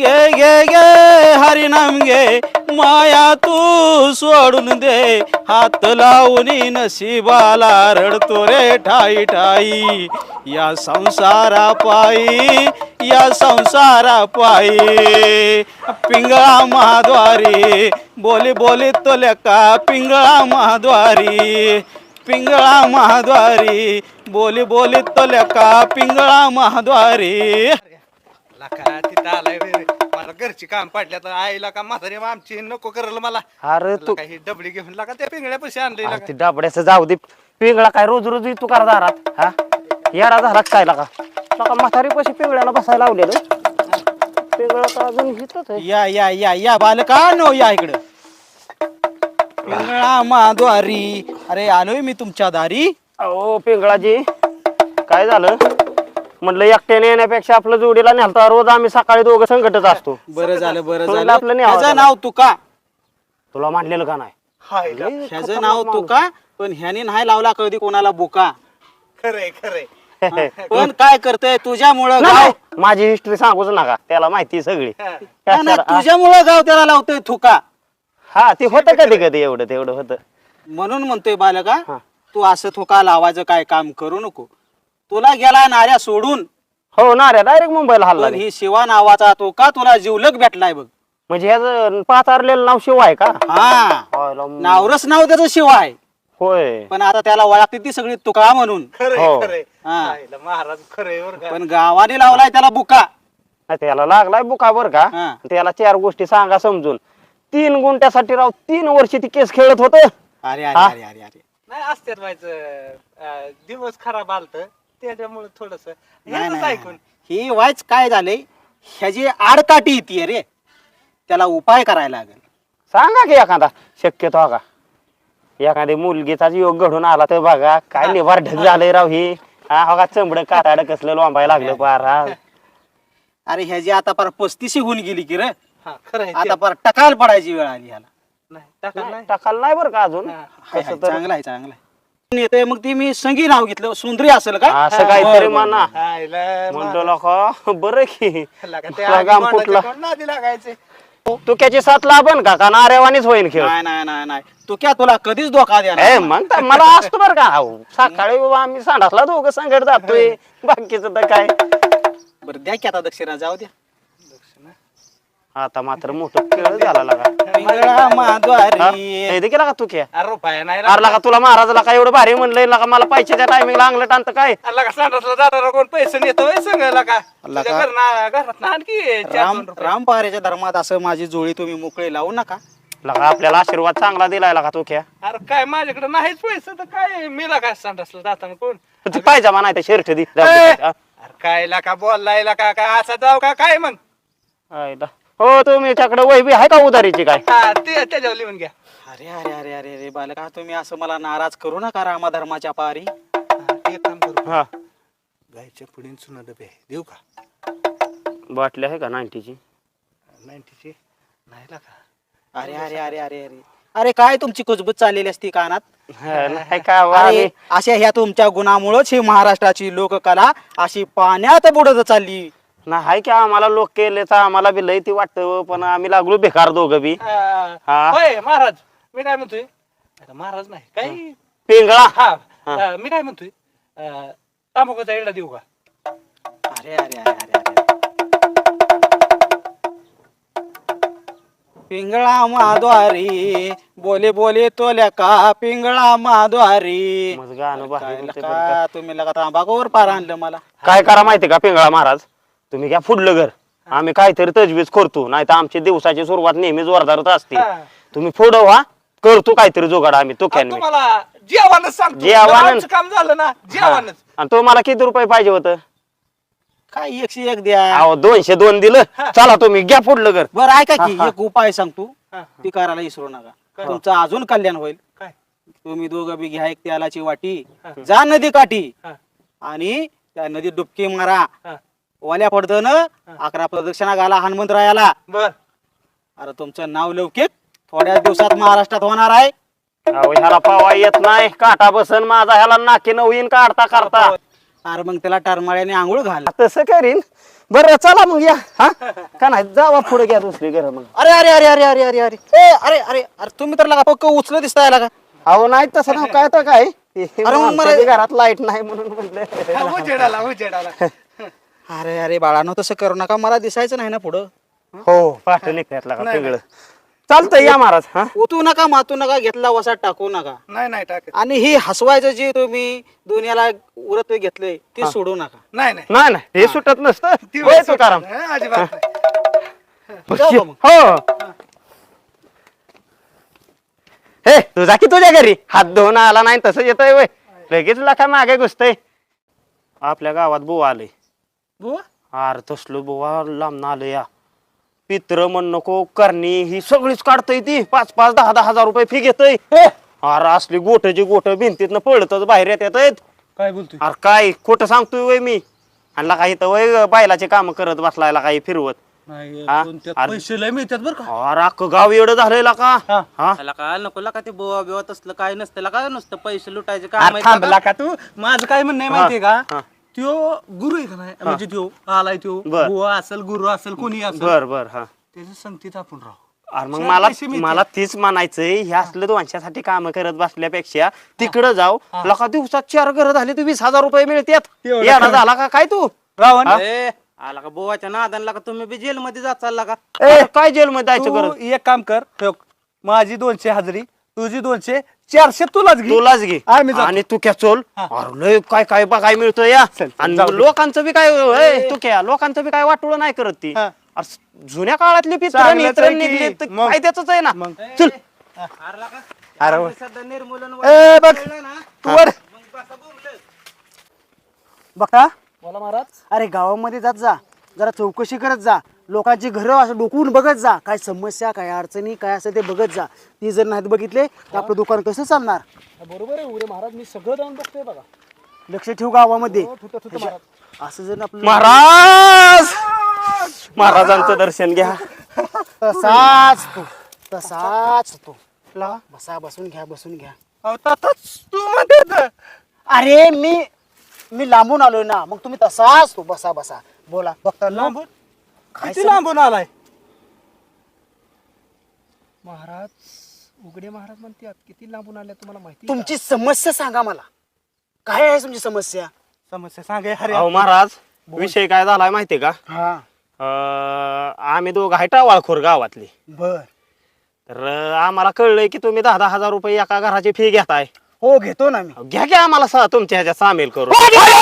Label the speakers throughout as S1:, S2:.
S1: घे घे घे हरिनाम घे माया तू सोडून दे हात लावून नशिबाला रडतो रे ठाई ठाई या संसारा पायी या संसारा पायी पिंगळा महाद्वारी बोली बोली तो लेका पिंगळा महाद्वारी पिंगळा महाद्वारी बोली बोली तो लेका पिंगळा महाद्वारी
S2: लका तिथं आलाय रे मला घरची काम पडल्या तर आईला का म्हातारी आमची नको करल मला
S3: अरे तू
S2: काही डबडी घेऊन लागा त्या पिंगळ्या पैसे आणले
S3: अरे ते डाबड्याचं जाऊ दे पिंगळा काय रोज रोज तू करा दारात हा येडा झाला काय लागा लका म्हातारी पैसे पिंगळ्याला बसायला लावलेलं पिंगळा का अजून घेतच आहे
S1: या या या या बालकांनो या इकडं पिंगळा महाद्वारी अरे आलोय मी तुमच्या दारी
S3: अहो पिंगळाजी काय झालं म्हटलं एकट्याने येण्यापेक्षा आपलं जोडीला नेलता रोज आम्ही सकाळी दोघं संकटच असतो
S1: बरं झालं बरं
S3: म्हणलं
S1: झालं
S3: आपलं न्यावं
S1: ह्याचं
S3: त्याला.
S1: नाव तुका
S3: तुला मांडलेलं का नाही
S1: ह्याचं नाव तुका पण ह्याने नाही लावला कधी कोणाला बुका
S2: खरंय खरंय
S1: पण काय करतोय तुझ्यामुळं
S3: नाही,
S1: गाव
S3: माझी हिस्ट्री सांगूच नका त्याला माहिती सगळी
S1: नाही, नाही, तुझ्यामुळं गाव त्याला लावतोय थुका
S3: हा ते होतं कधी कधी एवढं तेवढं होतं
S1: म्हणून म्हणतोय बालका
S3: हा.
S1: तू असं थुका लावायचं काय काम करू नको तुला गेला नाऱ्या सोडून
S3: हो ना रे डायरेक्ट मुंबईला हल्ला
S1: पण ही शिवा नावाचा थुका तुला जीवलग भेटलाय बघ
S3: म्हणजे ह्याचं पाचारलेलं नाव शिव आहे का
S1: हा
S3: होय,
S1: नावरच नाव त्याचं शिवा आहे
S3: होय
S1: पण आता त्याला ओळखते ती सगळी तुका म्हणून
S2: खरंय
S3: हो.
S2: खरंय
S1: हा.
S2: आईला महाराज खरंय बरं का
S1: पण गावाने लावलाय त्याला बुका
S3: नाही, त्याला लागलाय बुका बर का
S1: हा.
S3: त्याला 4 गोष्टी सांगा समजून 3 गुंठ्यासाठी राव 3 वर्ष ती केस खेळत होत
S1: अरे अरे
S3: हा?
S1: अरे अरे अरे
S2: नाही असत्यात व्हायचं दिवस खराब आलत त्याच्यामुळे थोडस
S1: नाही, नाही,
S2: ऐकून
S1: ही वायच काय झालंय ह्याची आडकाठी येते रे त्याला उपाय करायला लागेल
S3: सांगा की एखादा शक्यतो हा का एखादी मुलगीचा योग घडून आला तर बघा काय निभार ढग झालंय राव ही हा हो का चंबड काटाड कसलं लोंबायला लागलं पार हा
S1: अरे ह्याची आता पार 35 होऊन गेली की रे
S2: हा खरंय
S1: आता पार टकाल पडायची वेळ आली ह्याला
S2: नाही टाका नाही
S3: टाकाल नाही बरं का अजून
S2: हा.
S1: हाय, हाय,
S3: कसं तर
S1: चांगलं आहे चांगलं आहे येते मग ती मी संगी नाव घेतलं सुंदरी असेल का
S3: असं काहीतरी म्हणा
S2: आईला
S3: म्हणतो लोक बरं की
S2: लका ते
S3: तुला गाम
S2: आधी
S3: फुटलं.
S2: कोणाच्या नादी लागायचे
S3: तू त्याची साथ लाभन का नारेवानीच होईन खेळ
S1: नाही नाही नाही नाही तू क्या तुला कधीच धोका द्या
S3: ए मग तर मला असतो बरं का अहो, सकाळी बाबा आम्ही सांडासला दोघं संकट जातोय बाकीचं तर काय
S1: बरं द्या की आता दक्षिणा जाऊ द्या
S3: आता मात्र मोठं खेळ झाला लागा
S1: पिंगळा महाद्वारी
S3: हे केला का तू खेळ
S2: अरे रुपया नाही
S3: अरे लागा तुला महाराजला का एवढं भारी म्हणलंय लागा मला पैशाच्या टायमिंगला अंगलं टाणत काय
S2: लका सांडसला जाताना कोण पैसे नेतो सांग लका तुझ्या घरात आणखी 4-2
S1: राम
S2: रुपये.
S1: राम पहारेच्या धर्मात असं माझी जोडी तुम्ही मोकळी लावू नका
S3: लागा आपल्याला आशीर्वाद चांगला दिलाय लागा तू खेळ
S2: अरे काय माझ्याकडे नाहीच पैसे तर काय मिला काय सांडसला जाताना कोण
S3: तू पाहिजे म्हणा ते शर्ट दे
S2: अरे काय लका बोललाय लका काय असा जाऊ का काय मग
S3: हो तुम्ही त्याकडे वैबी आहे का उधारीची काय
S2: हा ते त्याच्यावर लिहून घ्या
S1: अरे अरे अरे अरे अरे बालका तुम्ही असं मला नाराज करू नका रामा धर्माच्या पारी
S2: हा, ते काम करू
S3: हा
S2: गायच्या पुढे चुना डबे देऊ का
S3: बाटली आहे का 90ची
S2: 90ची नाही लका
S1: अरे अरे अरे अरे अरे अरे काय तुमची कुजबूज चाललेली असती कानात
S3: नाही का वा
S1: अरे अशा ह्या तुमच्या गुणामुळेच ही महाराष्ट्राची लोककला अशी पाण्यात बुडत चालली
S3: नाही आहे की आम्हाला लोक केले तर आम्हाला बी लय ती वाटतं पण आम्ही लागलो बेकार दोघं बी हा.
S2: होय महाराज मी काय म्हणतोय आता महाराज नाही काय
S3: पिंगळा
S2: हा मी काय म्हणतोय तांबाखूचा एवढा देऊ का
S1: अरे अरे अरे अरे अरे पिंगळा माद्वारी बोले बोले तोल्या का पिंगळा माद्वारी
S3: मग गाणं भारी
S1: काय
S3: होतं बरं
S1: लका,
S3: का.
S1: तुम्ही लगा तांबाखूवर पार आणलं मला
S3: काय करा माहिती का पिंगळा महाराज तुम्ही घ्या फुडलं घर आम्ही काहीतरी तजवीज करतो नाही तर आमची दिवसाची सुरुवात नेहमी जोरदारच असते
S2: हा.
S3: तुम्ही पुढं व्हा करतो काहीतरी जोगाड आम्ही तो
S2: आणि तुम्हाला जेवणच सांगतो
S3: जेवणच.
S2: आमचं काम झालं ना जेवणच
S3: आणि तुम्हाला किती रुपये पाहिजे होतं
S1: काय 101 द्या
S3: अहो 202 दिलं चला तुम्ही घ्या फुडलं घर
S1: बरं ऐका की
S3: हा, हा.
S1: एक उपाय सांगतो
S2: हा.
S1: ती करायला विसरू नका
S2: काय?
S1: तुमचं अजून कल्याण होईल
S2: काय
S1: तुम्ही दोघं बी घ्या एक तेलाची वाटी
S2: हा.
S1: जा नदी काठी
S2: हा.
S1: आणि त्या नदीत डुबकी मारा
S2: हा.
S1: ओल्या पडतं 11 प्रदक्षिणा घाला हनुमंतरायाला
S2: बर
S1: अरे तुमचं नाव लौकिक थोड्या दिवसात महाराष्ट्रात होणार आहे
S3: अहो ह्याला पावा येत नाही काटा बसन माझा ह्याला नाकी नवीन काढता करता
S1: अरे मग त्याला टरमाळ्याने आंघोळ घाल
S3: तसं करीन बरं चला मग या हा का नाही जावा पुढे घ्या दुसरी घर मग.
S1: अरे अरे अरे अरे अरे अरे अरे ए अरे अरे अरे तुम्ही तर लागा पक्क उचल दिसताय लागा.
S3: अहो नाही तसं ना काय तर काय
S1: अरे मग
S3: आमच्या बी घरात लाईट नाही म्हणून म्हटलं.
S2: उजेडाला
S1: अरे अरे बाळानो तसं करू नका, मला दिसायचं नाही ना पुढं.
S3: हो पाठ निघतात लागा सगळं चालतंय या महाराज हा.
S1: उतू नका मातू नका, घेतला वसा टाकू नका.
S2: नाही टाकत.
S1: आणि ही हसवायचं जे तुम्ही दुनियाला उरत घेतलंय ते सोडू नका.
S2: नाही
S3: नाही नाही हे सुटत नसतं होय तुकाराम.
S2: अजिबात
S1: जाऊ का मग?
S3: हो हे तुझा की तुझ्या घरी हात धुवून आला नाही तसं येतोय वय लगेच लखा मागे घुसतय. आपल्या गावात बुवा आले.
S1: बुवा
S3: अरे तसलो बुवा लांब आलं या पित्र म्हण नको करणी ही सगळीच काढतय ती 5-5, 10-10 हजार रुपये फी घेतय. अरे असली गोठची गोठ भिंतीतनं पळतच बाहेर येत आहेत.
S2: काय बोलतोय?
S3: अरे काय खोटं सांगतोय वय मी. आणि काही तर वय बायलाचे काम करत बसलायला काही फिरवत. हा? अरे-
S2: पैसे लय मिळतात बरं का.
S3: अरे अख्खं गाव एवढं झालंय का हा
S4: त्याला काय नको का ते बोवा बिवा तसलं काय नसतं काय नुसतं पैसे लुटायचे काम
S2: अरे थांबला का तू? माझं काय म्हणणं आहे माहितीये
S3: हा.
S2: का, त्यो गुरु आहे का नाही, म्हणजे त्यो आलाय त्यो
S3: बर.
S2: बुवा असेल गुरु असेल कोणी असेल
S3: बर बर हा.
S2: त्याच्या संगतीत आपण राहू.
S3: अरे मग
S2: चार
S3: मला
S2: पैसे मिळतील.
S3: मला तीच म्हणायचंय हे असलं दोनशासाठी काम करत बसल्यापेक्षा तिकडं जाऊ लका दिवसात 4 घर झाले तर 20,000 रुपये मिळतात.
S2: एवढं
S3: येडा
S2: खरं.
S3: झाला का काय तू
S2: रावण
S4: ए, आला का बोवाच्या नादानला का तुम्ही बी जेल मध्ये जात चालला का
S3: अरे काय जेल मध्ये जायचं
S2: तू
S3: गरज
S2: एक काम कर, ठेव. माझी 200 हजेरी, तुझी 200, 400 तुलाच घे.
S3: तुलाच घे
S2: आम्ही जातो.
S3: आणि तू क्या चोल
S2: हा.
S3: अरे लय काय काय बघाय मिळतं या
S2: चल,
S3: आणि
S2: जाऊ दे.
S3: लोकांचं बी काय तू क्या लोकांचं बी काय वाटोळं नाही करत ती.
S2: हा.
S3: अरे जुन्या काळातली पित्र
S2: चांगलंच
S3: मित्र
S2: आहे की.
S3: निघली तर
S2: मग.
S3: काय त्याच आहे ना
S2: मग.
S3: चल
S4: हारला का
S2: अरे
S4: आम्ही सध्या निर्मूलन
S2: ए, बघ.
S4: कळलं ना?
S2: तू वर.
S4: मग बसा बोंबलत.
S1: बघा
S2: बोला महाराज.
S1: अरे गावामध्ये जात जा, जरा चौकशी करत जा, लोकांची घरं असं डोकवून बघत जा, काय समस्या काय अडचणी काय असं ते बघत जा. ती जर नाहीत बघितले तर आपलं दुकान कसं चालणार.
S2: बरोबर आहे उरे महाराज, मी सगळं जाऊन बघतोय बघा.
S1: लक्ष ठेव गावामध्ये.
S2: महाराज.
S1: असं जर आपलं
S3: महाराज महाराजांचं दर्शन घ्या.
S1: तसाच तू तसाच तू बसा, बसून घ्या बसून घ्या.
S2: अहो, ताताच तू म्हणते.
S1: अरे मी लांबून आलोय ना, मग तुम्ही तसाच तू बसा बसा बोला. बघता ना
S2: लांबून
S1: काय
S2: किती लांबून आलाय महाराज. उघडे महाराज म्हणतात किती लांबून आल्या तुम्हाला माहिती आहे
S1: तुमची समस्या सांगा मला, काय आहे तुमची समस्या.
S2: का? समस्या सांगा हरे.
S3: अहो महाराज विषय काय झालाय माहितीये का
S1: हा
S3: आम्ही दोघं आहे टावाळखोर गावातली.
S1: बर
S3: तर आम्हाला कळलंय की तुम्ही 10-10 हजार रुपये एका घराची फी घेताय.
S1: हो घेतो ना मी.
S3: घ्या घ्या आम्हाला तुमच्या ह्याच्यात सामील करू.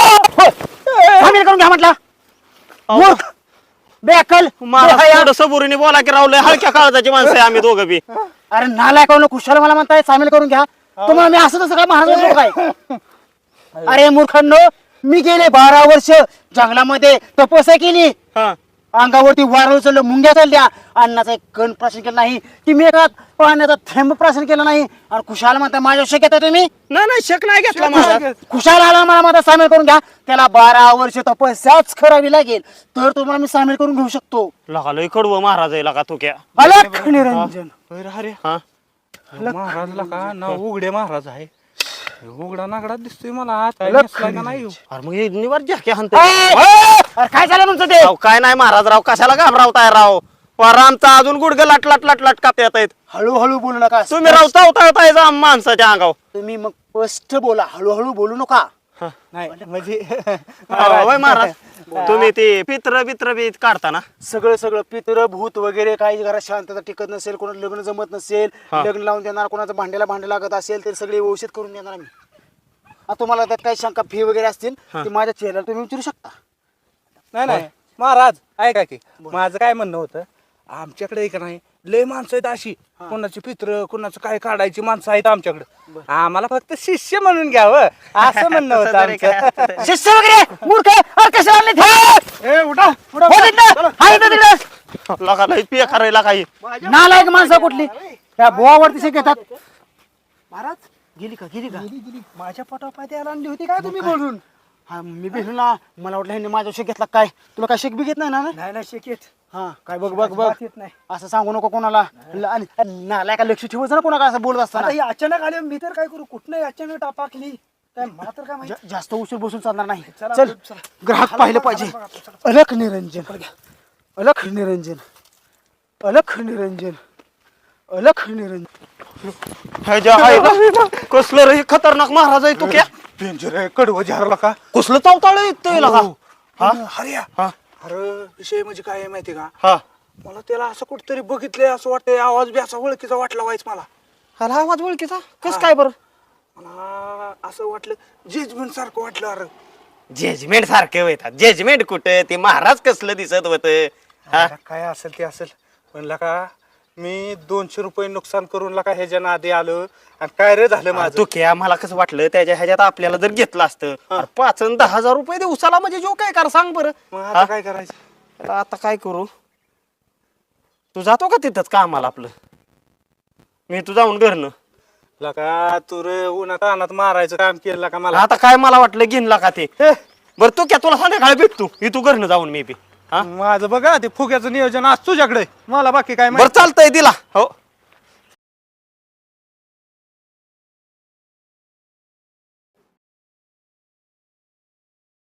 S1: सामील करून घ्या म्हटलं. मूर्ख, बेअक्कल,
S3: मला
S1: बेहया.
S3: थोडं सबुरीने बोला की रावलंय हलक्या काळजाची माणसं आहे आम्ही दोघं बी.
S1: अरे नालायक कुशाल मला म्हणताय सामील करून घ्या. तुम्हाला मी असं तसं काय महाराज काय. अरे मूर्खांनो, मी गेले 12 वर्ष जंगलामध्ये तपस्या केली.
S3: हा.
S1: अंगावरती वारळ चाललं, मुंग्या चालल्या, अन्नाचा एक कण प्राशन केलं नाही, की मी एका पाण्याचा थेंब प्राशन केलं नाही. आणि खुशाल म्हणता माझ्या शक येता तुम्ही.
S3: नाही नाही शक नाही घेतला महाराज.
S1: खुशाल आला मला माझा सामील करून घ्या. त्याला 12 वर्ष तपस्याच करावी लागेल तर तुम्हाला मी सामील करून घेऊ शकतो.
S3: लगा कडवं महाराज आहे लगा तू क्या.
S1: अलख निरंजन.
S2: हरे
S3: हा
S2: महाराजला का ना उघडे महाराज आहे. उघडा नागडा दिसतोय मला. हात काय नेसला का नाही हो?
S3: अरे मग हे निवार जॅके हाणते.
S1: अरे काय झालं तुमचं ते.
S3: राव काय नाही महाराज राव कशाला घाबरावताय राव. आमचा अजून गुडघे लाट लाट लाट लाट कापता येत आहेत.
S1: हळूहळू बोलू नका.
S3: तुम्ही राव चावताय माणसाच्या अंगाव.
S1: तुम्ही मग स्पष्ट बोला, हळूहळू बोलू नका.
S2: नाही म्हणजे
S3: होय महाराज तुम्ही ते पित्र बित्र बी काढता ना.
S1: सगळं सगळं पितर भूत वगैरे काही घरात शांतता टिकत नसेल, कोणाला लग्न जमत नसेल,
S3: हा.
S1: लग्न लावून देणार, कोणाचं भांडे लागत असेल तर सगळे व्यवस्थित करून देणार मी. आता तुम्हाला त्यात काही शंका फी वगैरे असतील ते माझ्या चेहऱ्याला तुम्ही विचारू शकता.
S2: नाही महाराज ऐका की माझं काय म्हणणं होतं, आमच्याकडे एक नाही लय माणसं आहेत अशी, कोणाची पित्र कोणाचं काय काढायची माणसं आहेत आमच्याकडे. आम्हाला फक्त शिष्य म्हणून घ्यावं असं म्हणणं होतं आमचं.
S1: शिष्य वगैरे मूर्ख अरे कशा आणले ते?
S2: ए, उठा
S1: हो तिकडं, हा इथं तिकडं.
S3: लगा लय पिया करायला काही.
S1: नालायक माणसं कुठली त्या बोवावरती शिक येतात. महाराज गेली का
S2: गेली माझ्या पोटापाय द्यायला आणली होती काय तुम्ही बोलून.
S1: हा मी भेटलो ना, मला वाटलं ह्यांनी माझ्या शेक घेतला काय. तुला काय शेक बी घेत नाही ना.
S2: नाही शिकेत
S1: हा काय बघ बघ बघ
S2: येत नाही.
S1: असं सांगू नको कोणाला. नालायक लक्ष ठेवायचं ना कोणाला असं बोलत असताना.
S2: आता ही अचानक आले, मी तर काय करू, कुठनं अचानक टापाकली. काय मला तर काय माहिती.
S1: जास्त उशीर बसून चालणार नाही
S2: चला,
S1: चल
S2: चला.
S1: ग्राहक पाहिलं पाहिजे अलख निरंजन अलख निरंजन अलख निरंजन अलख निरंजन
S3: ह्याच्या आईला कसलं रे हे खतरनाक महाराज आहे तू क्या
S2: डेंजर आहे कडवं झारला का
S3: कसलं चावताळ येतोय का हा
S2: हरिया
S3: हा
S2: अरे विषय म्हणजे काय आहे माहिती का
S3: हा
S2: मला त्याला असं कुठतरी बघितलंय असं वाटतंय आवाज बी असा ओळखीचा वाटला व्हायच मला
S3: अरे आवाज ओळखीचा कस काय बरं
S2: मला असं वाटलं जजमेंट सारखं वाटलं अरे
S3: जजमेंट सारखे होतात जजमेंट कुठे ते महाराज कसलं दिसत होत
S2: अरे काय असेल ते असेल म्हणला का मी 200 रुपये नुकसान करून ला का ह्याच्या नादी आलो आणि काय रे झालं माझं
S3: तू क्या मला कसं वाटलं त्याच्या ह्याच्यात आपल्याला जर घेतलं असतं 5 आणि 10,000 रुपये दिवसाला म्हणजे जो काय कर सांग बरं
S2: मग
S3: हा?
S2: आता काय करायचं
S3: तर आता काय करू तू जातो का तिथंच कामाला आपलं मी तू जाऊन घरनं
S2: लका तू रे उन्हात अनात मारायचं काम केलं का मला
S3: आता काय मला वाटलं घेणला का ते बरं तू क्या तुला संध्याकाळी भेटतो ही तू घरनं जाऊन मी बी हा
S2: माझं बघा ते फुग्याचं नियोजन आज तुझ्याकडे मला बाकी काय
S3: बरं
S2: माहिती
S3: चालतंय दिला हो